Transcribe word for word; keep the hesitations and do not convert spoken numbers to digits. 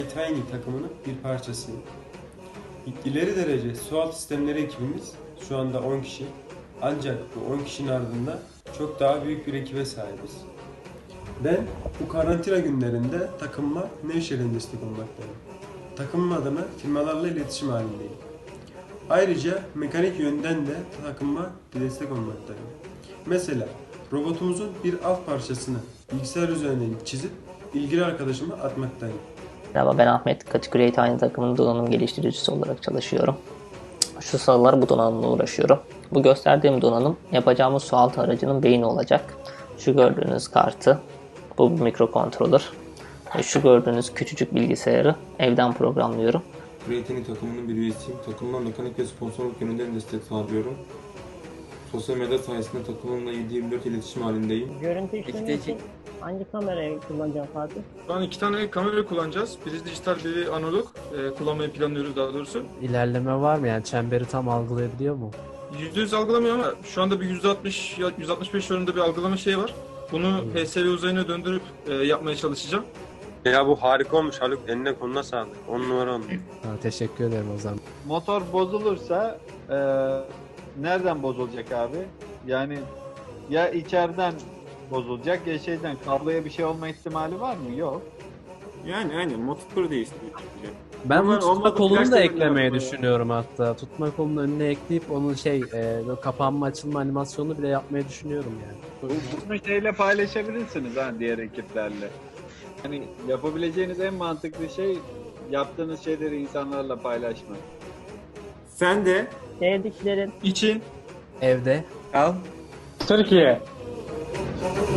Training takımının bir parçasıyım. İleri derece sualtı sistemleri ekibimiz şu anda on kişi. Ancak bu on kişinin ardında çok daha büyük bir ekibe sahibiz. Ben bu karantina günlerinde takımıma Nevşehir'den destek olmaktayım. Takımım adına firmalarla iletişim halindeyim. Ayrıca mekanik yönden de takımıma bir destek olmaktayım. Mesela robotumuzun bir alt parçasını bilgisayar üzerinden çizip ilgili arkadaşıma atmaktayım. Merhaba, ben Ahmet. Kategori aynı takımın donanım geliştiricisi olarak çalışıyorum. Şu sıralar bu donanımla uğraşıyorum. Bu gösterdiğim donanım yapacağımız sualtı aracının beyni olacak. Şu gördüğünüz kartı, bu bir mikrokontroller. Ve şu gördüğünüz küçücük bilgisayarı evden programlıyorum. Creatini takımının bir üyesiyim. Takımıma mekanik ve sponsorluk yönünden destek sağlıyorum. Sosyal medya sayesinde takımımla yedi yirmi dört iletişim halindeyim. Görüntü işlemi için hangi kamerayı kullanacağım Fatih? Şu an iki tane kamera kullanacağız. Biri dijital, biri analog. Ee, kullanmayı planlıyoruz daha doğrusu. İlerleme var mı, yani çemberi tam algılayabiliyor mu? yüzde yüz algılamıyor ama şu anda bir yüzde altmış ya yüzde altmış beş oranında bir algılama şeyi var. Bunu P S V uzayına döndürüp e, yapmaya çalışacağım. Ya bu harika olmuş Haluk. Eline koluna sağlık. on numara olmuş. Ha, teşekkür ederim o zaman. Motor bozulursa e, nereden bozulacak abi? Yani ya içeriden bozulacak ya şeyden, kabloya bir şey olma ihtimali var mı? Yok. Yani aynen motor değiştiriyor. Ben bu Ama tutma olmadı, kolunu da gerçekten eklemeyi yapma ya. düşünüyorum hatta. Tutma kolunun önüne ekleyip onun şey, e, böyle kapanma açılma animasyonunu bile yapmayı düşünüyorum yani. Bunu şeyle paylaşabilirsiniz ha, diğer ekiplerle. Hani yapabileceğiniz en mantıklı şey yaptığınız şeyleri insanlarla paylaşmak. Sen de Sevdiklerin İçin Evde al. Türkiye.